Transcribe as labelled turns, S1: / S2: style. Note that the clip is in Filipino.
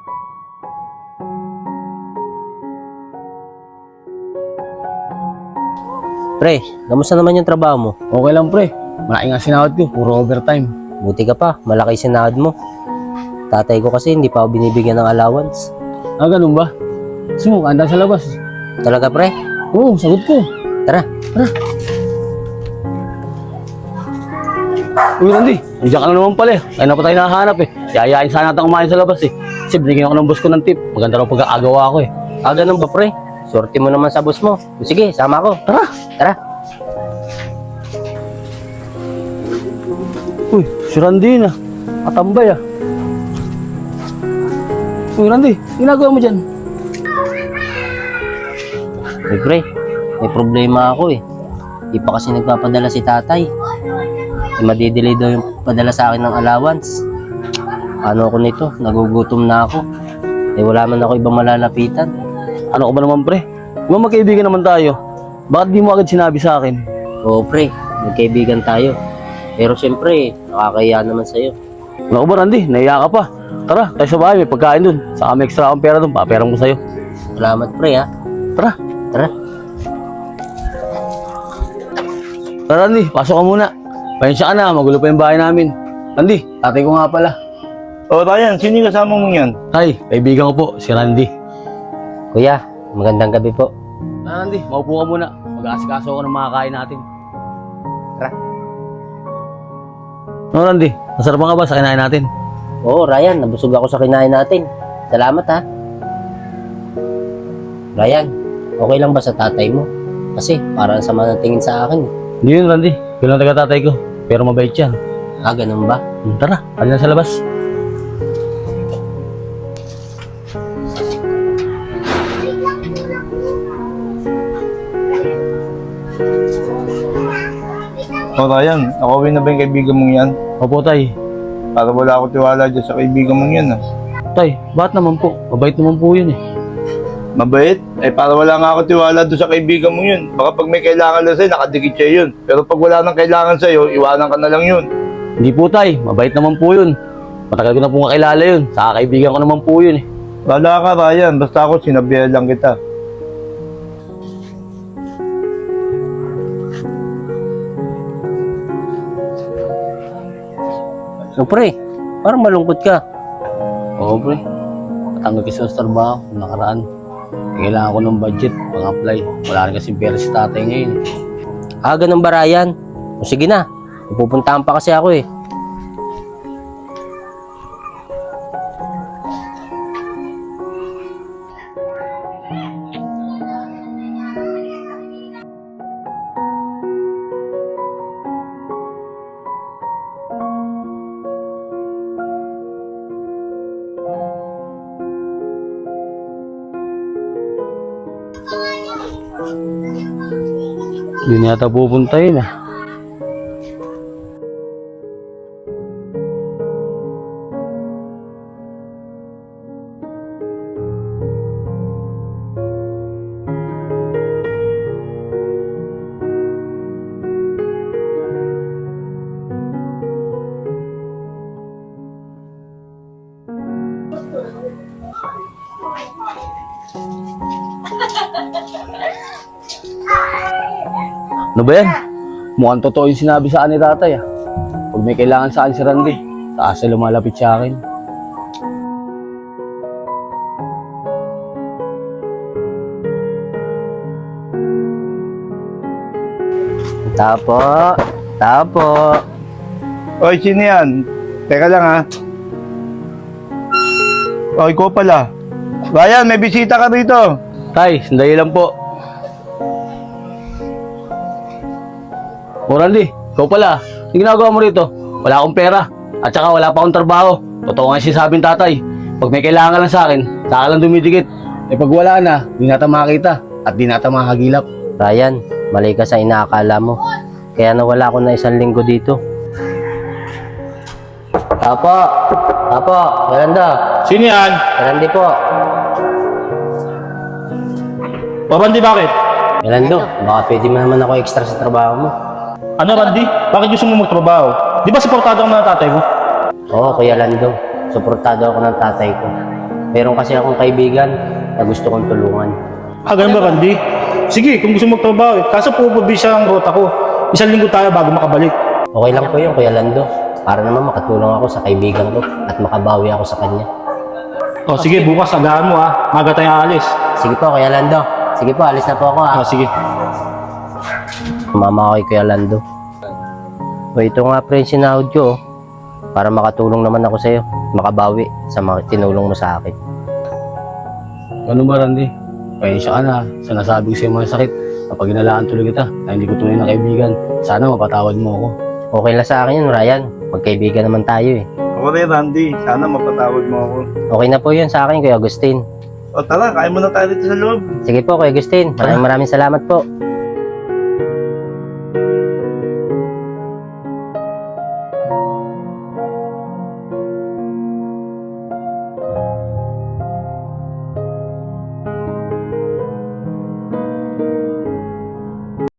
S1: Pre, kamusta naman yung trabaho mo?
S2: Okay lang pre, malaki nga sinahod ko, puro overtime.
S1: Buti ka pa, malaki sinahod mo. Tatay ko kasi hindi pa ako binibigyan ng allowance.
S2: Ah, ganun ba? Gusto mo, kanda sa labas.
S1: Talaga pre?
S2: Oo, sagot ko.
S1: Tara.
S2: Uy Randy, nandiyan ka na naman pala eh. Kaya na pa tayo nakahanap eh. Yayain sana natin kumain sa labas eh. Kasi binigyan ako ng boss ko ng tip. Maganda raw pag-aagawa ko eh.
S1: Ganun ba pre? Sorte mo naman sa boss mo. Sige, sama ako.
S2: Tara!
S1: Tara.
S2: Uy, si Randy na. Matambay ah. Uy Randy, ginagawa mo dyan?
S1: Uy pre, may problema ako eh. Di pa kasi nagpapadala si tatay. Madidelay daw yung padala sa akin ng allowance. Ano ako nito? Nagugutom na ako. Wala man ako ibang malalapitan.
S2: Ano ko ba naman pre? Diba magkaibigan naman tayo? Bakit di mo agad sinabi sa akin?
S1: Oo pre, magkaibigan tayo. Pero siyempre, nakakahiya naman sa'yo.
S2: Ano ko ba Randy? Naiya ka pa. Tara, tayo sa bahay, may pagkain dun. Saka may extra akong pera dun, paperang ko sa'yo.
S1: Salamat pre ha.
S2: Tara!
S1: Tara.
S2: Tara Randy, pasok ka muna. Pasensya ka na, magulo pa yung bahay namin. Randy, tatay ko nga pala.
S3: O Ryan, sino yung kasama mong yan?
S2: Hi, kaibigan ko po, si Randy.
S1: Kuya, magandang gabi po.
S2: Randy, maupo ka muna. Mag-aasikaso ako ng mga kain natin.
S1: Tara.
S2: No Randy, nasarapan ka ba sa kinain natin?
S1: Oo Ryan, nabusog ako sa kinain natin. Salamat ha. Ryan, okay lang ba sa tatay mo? Kasi parang sama ng tingin sa akin.
S2: Hindi yun Randy, yun ang taga-tatay ko. Pero mabait yan.
S1: Ganun ba?
S2: Tara, halina sa labas.
S3: O Ryan, nakawin na ba yung kaibigan mong yan?
S2: Opo tay.
S3: Para wala ako tiwala dyan sa kaibigan mong yan
S2: Tay, bakit naman po? Mabait naman po yun eh.
S3: Mabait? Para wala nga ako tiwala doon sa kaibigan mong yun. Baka pag may kailangan lang sa'yo, nakadikit siya yun. Pero pag wala nang kailangan sa'yo, iwanan ka na lang yun.
S2: Hindi po tay, mabait naman po yun. Matagal ko na po kakilala yun. Sa kaibigan ko naman po yun eh.
S3: Wala ka Ryan, basta ako sinabihan lang kita.
S1: So pre, parang malungkot ka.
S2: Oo pre, patanggal kasi sa trabaho nakaraan. Kailangan ko ng budget pang-apply. Wala rin kasi pera si tatay ngayon.
S1: Ganun ba Ryan? O sige na, pupuntahan pa kasi ako eh.
S2: Hindi na yata pupunta yun ah. Ano ba yan? Mukhang totoo yung sinabi sa akin ni tatay ah. Pag may kailangan sa akin si Randy, taas na lumalapit sa akin.
S1: Tapo.
S3: Oy, sino yan? Teka lang ha. O, ikaw pala. Ryan, may bisita ka rito.
S2: Tay, sandali lang po. O Randy, ikaw pala. Yung ginagawa mo rito, wala akong pera. At saka wala pa akong trabaho. Totoo nga sinasabing tatay. Pag may kailangan lang sa akin, saka lang dumidikit. Pag wala na, di natin makakita. At di natin makakagilap.
S1: Ryan, mali ka sa inaakala mo. Kaya nawala ako na 1 linggo dito. Tapo, Miranda.
S4: Sino yan?
S1: Miranda po.
S4: O Randy, bakit?
S1: Miranda, baka pwede mo naman ako extra sa trabaho mo.
S4: Ano Randy? Bakit gusto mo magtrabaho? Di ba supportado ka ng tatay mo?
S1: Oo, Kuya Lando. Suportado ako ng tatay ko. Meron kasi akong kaibigan na gusto kong tulungan.
S4: Ganun ba, Randy? Sige, kung gusto mo magtrabaho eh. Kaso pupubisa ang rota ko. Isang linggo tayo bago makabalik.
S1: Okay lang po yun, Kuya Lando. Para naman makatulong ako sa kaibigan ko at makabawi ako sa kanya.
S4: O sige, bukas agahan mo ha. Maga tayong aalis.
S1: Sige po, Kuya Lando. Sige po, alis na po ako
S4: O sige.
S1: Mama ko kay Kuya Lando. O ito nga pre, sinahod ko. Para makatulong naman ako sa'yo. Makabawi sa mga tinulong mo sa akin.
S2: Ano ba, Randy? Pasensya ka na sa nasabi ko sa'yo mga sakit. Kapag inalaan tuloy kita na hindi ko tunay na kaibigan, sana mapatawad mo ako.
S1: Okay lang sa akin yun, Ryan. Magkaibigan naman tayo eh.
S3: Ako rin, Randy. Sana mapatawad mo ako.
S1: Okay na po yun sa akin, Kuya Agustin.
S3: O tara, kain muna tayo dito sa loob.
S1: Sige po, Kuya Agustin. Maraming salamat po.